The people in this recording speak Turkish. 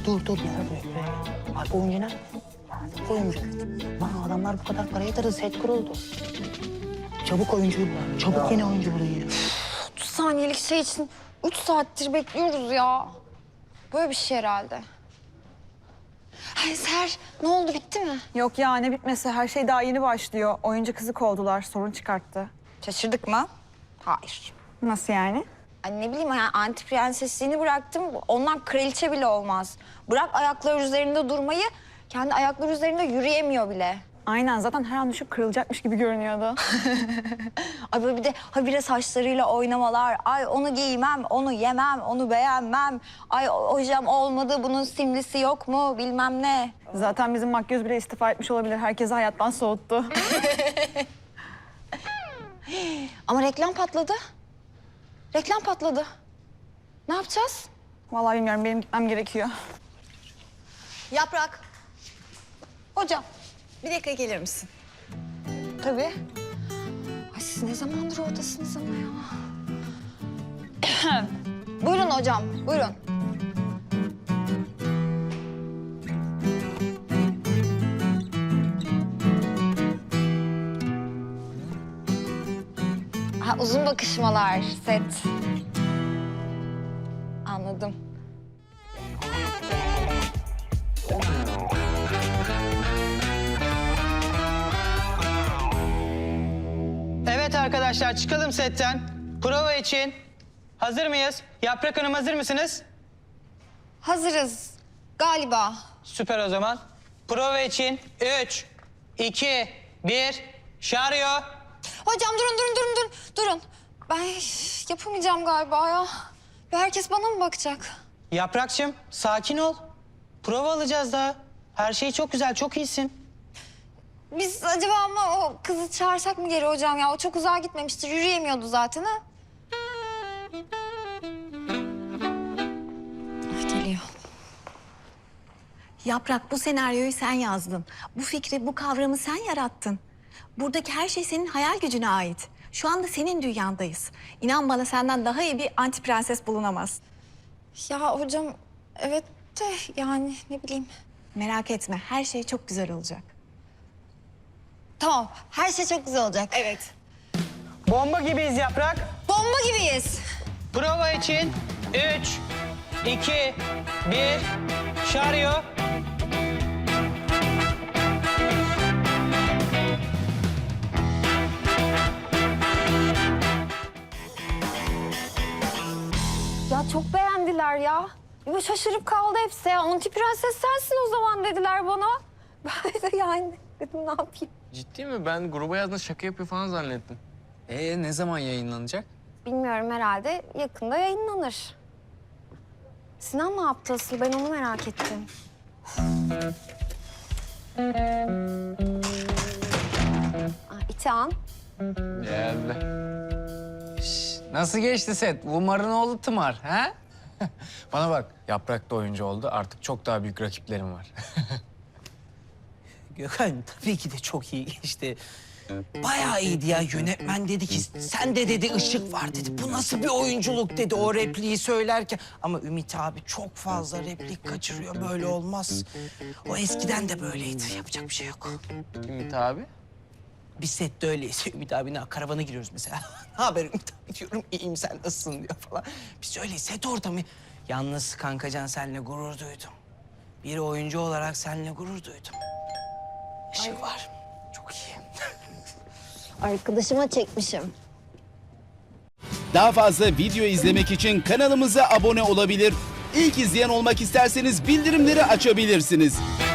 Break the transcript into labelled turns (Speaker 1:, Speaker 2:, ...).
Speaker 1: dur. Bak oyuncu ne? Oyuncu. Bana adamlar bu kadar para yatırdı, set kuruldu. Çabuk oyuncuyu bulun. Çabuk yeni oyuncu bulun ya.
Speaker 2: 30 saniyelik şey için 3 saattir bekliyoruz ya. Böyle bir şey herhalde. Ay Ser, ne oldu, bitti mi?
Speaker 3: Yok ya, ne bitmesi, her şey daha yeni başlıyor. Oyuncu kızı kovdular, sorun çıkarttı.
Speaker 2: Şaşırdık mı? Hayır.
Speaker 3: Nasıl yani?
Speaker 2: Ay ne bileyim, yani anti prensesliğini bıraktım. Ondan kraliçe bile olmaz. Bırak ayakları üzerinde durmayı, kendi ayakları üzerinde yürüyemiyor bile.
Speaker 3: Aynen, zaten her an düşüp kırılacakmış gibi görünüyordu.
Speaker 2: Ay böyle bir de habire saçlarıyla oynamalar. Ay onu giymem, onu yemem, onu beğenmem. Ay hocam olmadı, bunun simlisi yok mu bilmem ne.
Speaker 3: Zaten bizim makyöz bile istifa etmiş olabilir, herkesi hayattan soğuttu.
Speaker 2: Ama reklam patladı. Reklam patladı. Ne yapacağız?
Speaker 3: Vallahi bilmiyorum, benim gitmem gerekiyor.
Speaker 2: Yaprak. Hocam.
Speaker 4: Bir dakika gelir misin?
Speaker 2: Tabii. Ay siz ne zamandır oradasınız ama ya. Buyurun hocam, buyurun. Ha, uzun bakışmalar, set. Anladım.
Speaker 5: Evet arkadaşlar, çıkalım setten. Prova için. Hazır mıyız? Yaprak Hanım, hazır mısınız?
Speaker 2: Hazırız galiba.
Speaker 5: Süper o zaman. Prova için 3, 2, 1, şaryo.
Speaker 2: Hocam durun. Ben yapamayacağım galiba ya. Ve herkes bana mı bakacak?
Speaker 5: Yaprakçım, sakin ol. Prova alacağız daha. Her şey çok güzel, çok iyisin.
Speaker 2: Biz acaba ama o kızı çağırsak mı geri hocam ya? O çok uzağa gitmemiştir, yürüyemiyordu zaten ha. Ay, geliyor.
Speaker 4: Yaprak, bu senaryoyu sen yazdın. Bu fikri, bu kavramı sen yarattın. Buradaki her şey senin hayal gücüne ait. Şu anda senin dünyandayız. İnan bana, senden daha iyi bir anti prenses bulunamaz.
Speaker 2: Ya hocam evet de yani ne bileyim.
Speaker 4: Merak etme, her şey çok güzel olacak.
Speaker 2: Tamam, her şey çok güzel olacak.
Speaker 4: Evet.
Speaker 5: Bomba gibiyiz Yaprak.
Speaker 2: Bomba gibiyiz.
Speaker 5: Prova için 3, 2, 1, şaryo.
Speaker 2: Ya çok beğendiler ya. Ya şaşırıp kaldı hepsi ya. Anti prenses sensin o zaman dediler bana. Ben de yani dedim ne yapayım.
Speaker 6: Ciddi mi? Ben gruba yazdığında şaka yapıyor falan zannettim. Ne zaman yayınlanacak?
Speaker 2: Bilmiyorum, herhalde yakında yayınlanır. Sinan ne yaptı asıl? Ben onu merak ettim. İtihan.
Speaker 6: Geldi. Nasıl geçti set? Umar'ın oğlu Tımar, ha? Bana bak, Yaprak da oyuncu oldu. Artık çok daha büyük rakiplerim var.
Speaker 1: Gökhan tabii ki de çok iyi geçti. Bayağı iyiydi ya. Yönetmen dedi ki sen de dedi ışık var dedi. Bu nasıl bir oyunculuk dedi o repliği söylerken. Ama Ümit abi çok fazla replik kaçırıyor. Böyle olmaz. O eskiden de böyleydi. Yapacak bir şey yok.
Speaker 6: Ümit abi.
Speaker 1: Biz sette öyleyiz. Ümit abine karavana giriyoruz mesela. Ne haber Ümit abi diyorum. İyiyim, sen nasılsın diyor falan. Biz öyleyiz. Set ortamı. Yalnız kankacan seninle gurur duydum. Bir oyuncu olarak seninle gurur duydum. Işık var. Çok iyi.
Speaker 2: Arkadaşıma çekmişim.
Speaker 7: Daha fazla video izlemek için kanalımıza abone olabilir. İlk izleyen olmak isterseniz bildirimleri açabilirsiniz.